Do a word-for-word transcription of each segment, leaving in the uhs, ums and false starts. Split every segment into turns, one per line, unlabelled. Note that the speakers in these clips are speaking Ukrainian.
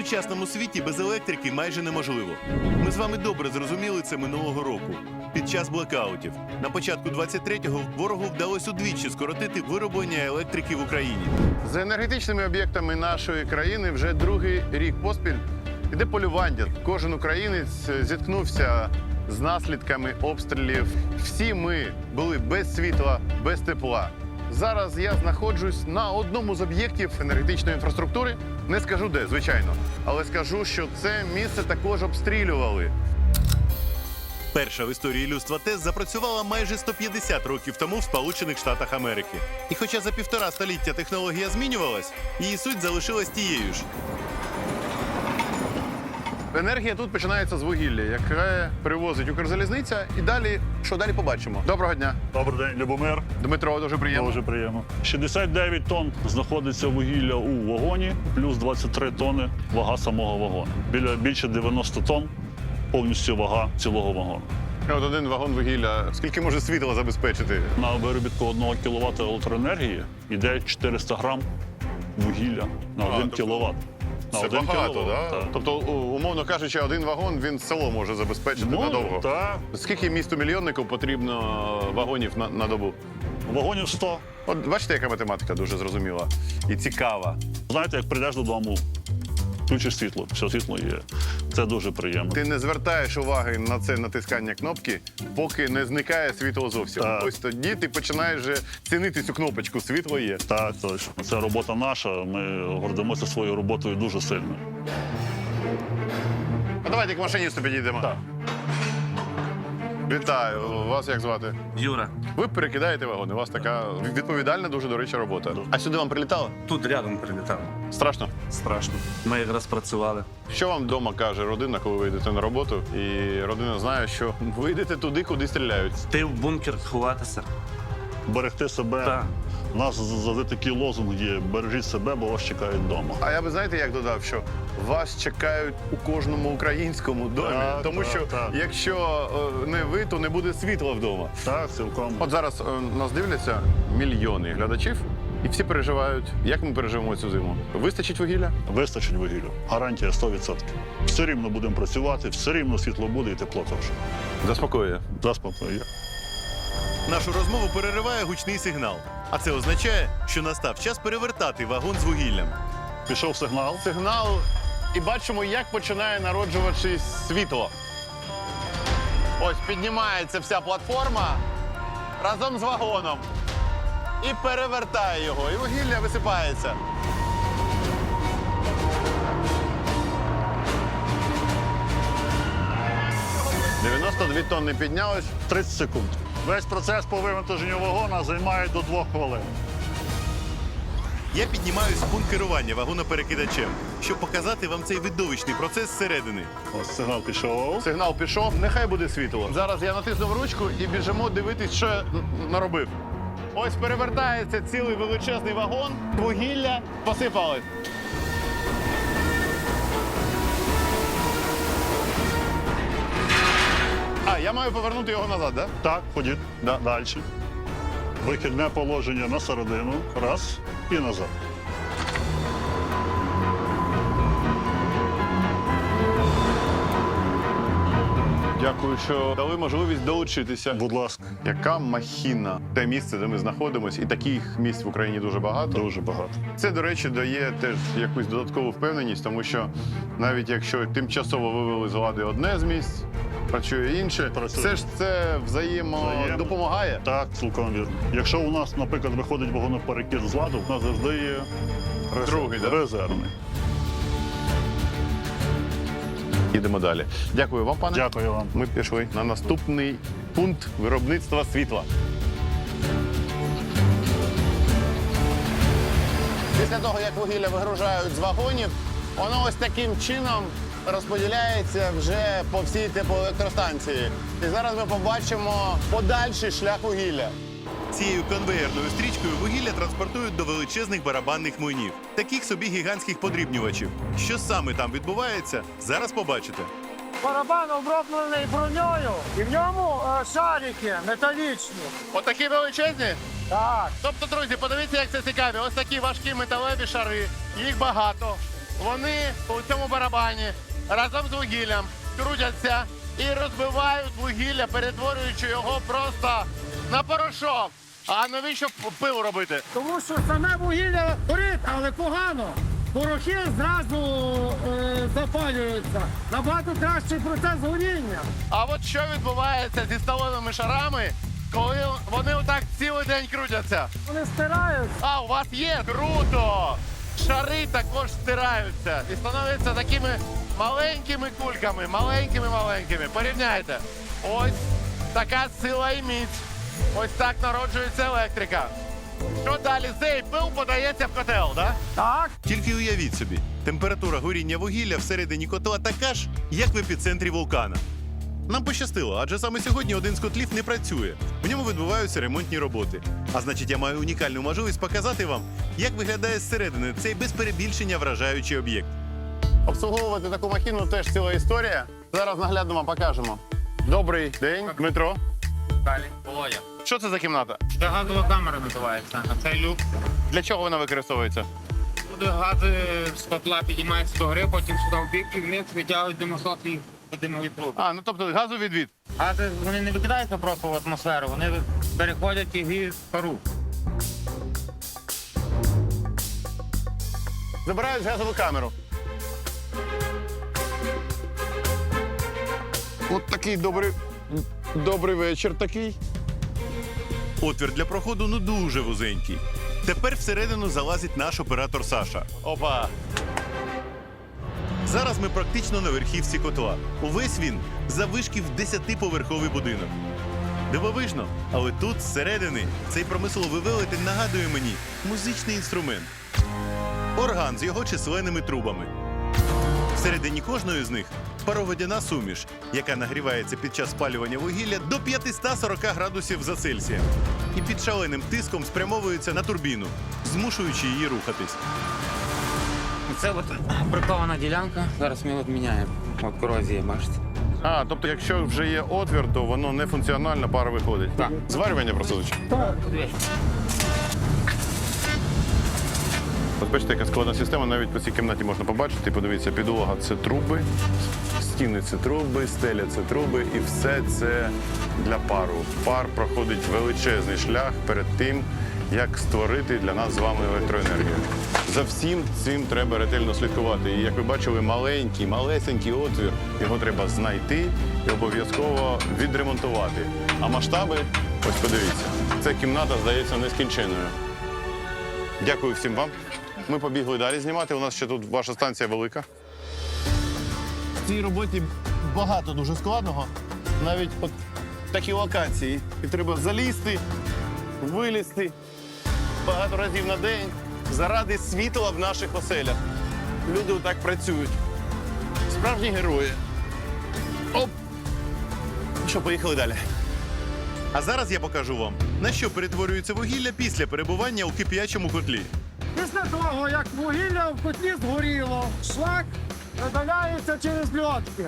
сучасному світі без електрики майже неможливо. Ми з вами добре зрозуміли це минулого року. Під час блекаутів. На початку двадцять третього ворогу вдалося удвічі скоротити вироблення електрики в Україні.
За енергетичними об'єктами нашої країни вже другий рік поспіль іде полювання. Кожен українець зіткнувся з наслідками обстрілів. Всі ми були без світла, без тепла. Зараз я знаходжусь на одному з об'єктів енергетичної інфраструктури. Не скажу де, звичайно, але скажу, що це місце також обстрілювали.
Перша в історії людства ТЕС запрацювала майже сто п'ятдесят років тому в Сполучених Штатах Америки. І хоча за півтора століття технологія змінювалась, її суть залишилась тією ж.
Енергія тут починається з вугілля, яке привозить Укрзалізниця. І далі, що далі побачимо. Доброго дня.
Добрий день, Любомир.
Дмитро, дуже приємно.
Дуже приємно. шістдесят дев'ять тонн знаходиться вугілля у вагоні, плюс двадцять три тонни вага самого вагону. Біля більше дев'яносто тонн повністю вага цілого вагону.
От один вагон вугілля. Скільки може світла забезпечити?
На виробітку одного кіловата електроенергії йде чотириста грам вугілля на
А,
один
тобто
кіловат. На
Це
один
багато,
кіловат,
да?
так?
Тобто, у- умовно кажучи, один вагон, він село може забезпечити
Може,
надовго.
так.
Скільки місту-мільйоннику потрібно вагонів на, на добу?
Вагонів сто.
От бачите, яка математика дуже зрозуміла і цікава.
Знаєте, як прийдеш додому, включиш світло, все світло є. Це дуже приємно.
Ти не звертаєш уваги на це натискання кнопки, поки не зникає світло зовсім.
Так.
Ось тоді ти починаєш вже цінити цю кнопочку, світло є.
Так, точно. Це робота наша. Ми гордимося своєю роботою дуже сильно.
А давайте к машиністу підійдемо.
Так.
Вітаю. Вас як звати?
Юра,
Ви перекидаєте вагони. У вас така відповідальна, дуже, до речі, робота. А сюди вам прилітало?
тут рядом прилітав.
Страшно?
Страшно. Ми якраз працювали.
Що вам вдома каже родина, коли ви йдете на роботу? І родина знає, що ви йдете туди, куди стріляють.
Ти в бункер ховатися.
Берегти себе.
Так.
У нас завжди такий лозунг є: бережіть себе, бо вас чекають вдома.
А я би, знаєте, як додав, що вас чекають у кожному українському домі.
Так,
Тому
так,
що
так.
якщо е, не ви, то не буде світла вдома.
Так, цілком.
От зараз е, нас дивляться мільйони глядачів, і всі переживають, як ми переживемо цю зиму. Вистачить вугілля?
Вистачить вугілля. Гарантія сто відсотків. Все рівно будемо працювати, все рівно світло буде і тепло теж.
Заспокоює.
Заспокоює.
Нашу розмову перериває гучний сигнал. А це означає, що настав час перевертати вагон з вугіллям.
Пішов сигнал.
Сигнал, і бачимо, як починає народжуватись світло. Ось піднімається вся платформа разом з вагоном. І перевертає його, і вугілля висипається. дев'яносто дві тонни піднялось.
тридцять секунд. Весь процес по вивантаженню вагона займає до двох хвилин.
Я піднімаюсь в пункт керування вагоноперекидачем, щоб показати вам цей видовищний процес зсередини.
Ось сигнал пішов.
Сигнал пішов, нехай буде світло. Зараз я натиснув ручку і біжимо дивитись, що я н- наробив. Ось перевертається цілий величезний вагон, вугілля посипалось. А, я маю повернути його назад, так?
Так, ходіть.
Да.
Далі. Вихідне положення на середину. Раз і назад.
Дякую, що дали можливість долучитися.
Будь ласка.
Яка махіна. Те місце, де ми знаходимося, і таких місць в Україні дуже багато.
Дуже багато.
Це, до речі, дає теж якусь додаткову впевненість, тому що навіть якщо тимчасово вивели з лади одне з місць, працює інше,
Працює.
все ж це взаємо
Взаємно.
допомагає.
Так, цілком вірно. Якщо у нас, наприклад, виходить вагоноперекид з ладу, у нас завжди є резерв-
Другий, да?
резервний.
Їдемо далі. Дякую вам, пане.
Дякую вам.
Ми пішли на наступний пункт виробництва світла. Після того, як вугілля вигружають з вагонів, воно ось таким чином розподіляється вже по всій теплоелектростанції. І зараз ми побачимо подальший шлях вугілля.
Цією конвеєрною стрічкою вугілля транспортують до величезних барабанних млинів, таких собі гігантських подрібнювачів. Що саме там відбувається, зараз побачите.
Барабан оброблений броньою, і в ньому е, шарики металічні.
Отакі величезні?
Так.
Тобто, друзі, подивіться, як це цікаво. Ось такі важкі металеві шари, їх багато. вони у цьому барабані разом з вугіллям крутяться і розбивають вугілля, перетворюючи його просто на порошок. А навіщо пиво робити?
Тому що саме вугілля горить, але погано. Порохи зразу е, запалюються. Набагато кращий процес горіння.
А от що відбувається зі сталевими шарами, коли вони отак цілий день крутяться?
Вони стираються.
А, у вас є? Круто! Шари також стираються і становляться такими маленькими кульками, маленькими-маленькими. Порівняйте. Ось така сила і міць. Ось так народжується електрика. Що далі? Цей пил подається в котел, так?
Так.
Тільки уявіть собі, температура горіння вугілля всередині котла така ж, як в епіцентрі вулкана. Нам пощастило, адже саме сьогодні один з котлів не працює. В ньому відбуваються ремонтні роботи. А значить, я маю унікальну можливість показати вам, як виглядає зсередини цей без перебільшення вражаючий об'єкт.
Обслуговувати таку махіну теж ціла історія. Зараз наглядно вам покажемо. Добрий день, Дмитро.
Далі. Володя.
Що це за кімната?
Це газова камера називається. А цей люк.
Для чого вона використовується?
Туди гази з котла піднімаються до гори, потім сюди в бік і вниз витягують димосос і димові труби.
А, ну тобто газовідвід.
Гази вони не викидаються просто в атмосферу, вони переходять і гріють пару.
Забирають газову камеру. От такий добрий, добрий вечір такий.
Отвір для проходу ну дуже вузенький. Тепер всередину залазить наш оператор Саша.
Опа.
Зараз ми практично на верхівці котла. Увесь він заввишки в десятиповерховий будинок. Дивовижно, але тут, зсередини, цей промисловий велетень нагадує мені музичний інструмент. Орган з його численними трубами. Всередині кожної з них пароводяна суміш, яка нагрівається під час спалювання вугілля до п'ятсот сорок градусів за Цельсієм. І під шаленим тиском спрямовується на турбіну, змушуючи її рухатись.
Це от прикована ділянка. Зараз ми от міняємо. От корозія, бачите.
А, тобто, якщо вже є отвір, то воно не функціонально, пара виходить.
Так.
Зварювання просилочі. От бачите, яка складна система, навіть по цій кімнаті можна побачити. Подивіться, підлога – це труби, стіни – це труби, стеля – це труби, і все це для пару. Пар проходить величезний шлях перед тим, як створити для нас з вами електроенергію. За всім цим треба ретельно слідкувати. І, як ви бачили, маленький, малесенький отвір, його треба знайти і обов'язково відремонтувати. А масштаби, ось подивіться, ця кімната здається нескінченною. Дякую всім вам. Ми побігли далі знімати. У нас ще тут ваша станція велика. В цій роботі багато дуже складного. Навіть от такі локації. І треба залізти, вилізти багато разів на день заради світла в наших оселях. Люди отак працюють. Справжні герої. Оп! Що, поїхали далі.
А зараз я покажу вам, на що перетворюється вугілля після перебування у кип'ячому котлі.
Після того, як вугілля в котлі згоріло, шлак видаляється через льотки.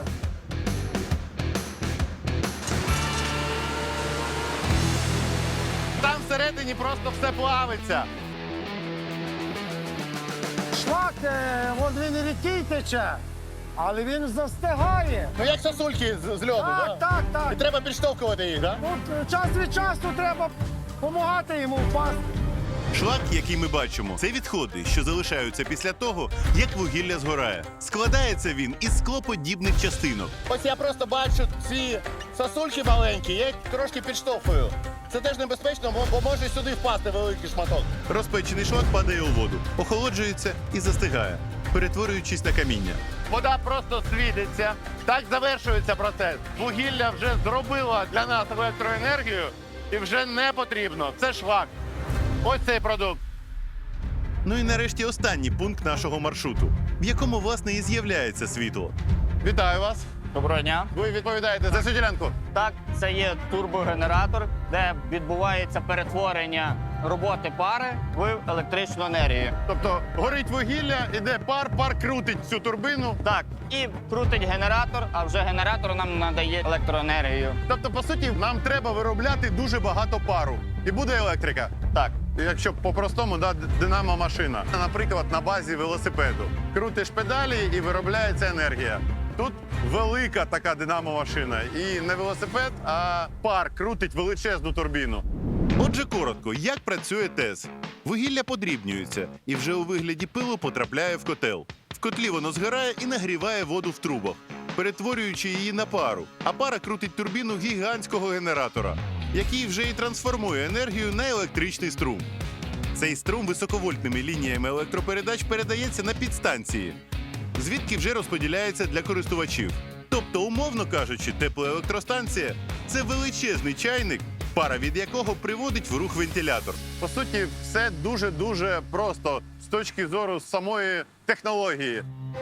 Там всередині просто все плавиться.
Шлак, е, от він і рідкий тече, але він застигає.
Ну як сосульки з, з льоду,
Так, так, так.
І треба підштовхувати їх, так?
От е, час від часу треба допомагати йому впасти.
Шлак, який ми бачимо, це відходи, що залишаються після того, як вугілля згорає. Складається він із склоподібних частинок.
Ось я просто бачу ці сосульки маленькі, я їх трошки підштовхую. Це теж небезпечно, бо, бо може сюди впасти великий шматок.
Розпечений шлак падає у воду, охолоджується і застигає, перетворюючись на каміння.
Вода просто світиться. Так завершується процес. Вугілля вже зробило для нас електроенергію і вже не потрібно. Це шлак. Ось цей продукт.
Ну і нарешті останній пункт нашого маршруту, в якому, власне, і з'являється світло.
Вітаю вас.
Доброго дня.
Ви відповідаєте за цю ділянку.
Так, це є турбогенератор, де відбувається перетворення роботи пари в електричну енергію.
Тобто горить вугілля, іде пар, пар крутить цю турбину.
Так, і крутить генератор, а вже генератор нам надає електроенергію.
Тобто, по суті, нам треба виробляти дуже багато пару. І буде електрика.
Так.
якщо по-простому, да, динамо-машина. Наприклад, на базі велосипеду. Крутиш педалі і виробляється енергія. Тут велика така динамо-машина. І не велосипед, а пар крутить величезну турбіну.
Отже, коротко, як працює ТЕС? Вугілля подрібнюється і вже у вигляді пилу потрапляє в котел. В котлі воно згорає і нагріває воду в трубах, перетворюючи її на пару. А пара крутить турбіну гігантського генератора, який вже і трансформує енергію на електричний струм. Цей струм високовольтними лініями електропередач передається на підстанції, звідки вже розподіляється для користувачів. Тобто, умовно кажучи, теплоелектростанція – це величезний чайник, пара від якого приводить в рух вентилятор.
По суті, все дуже-дуже просто з точки зору самої технології.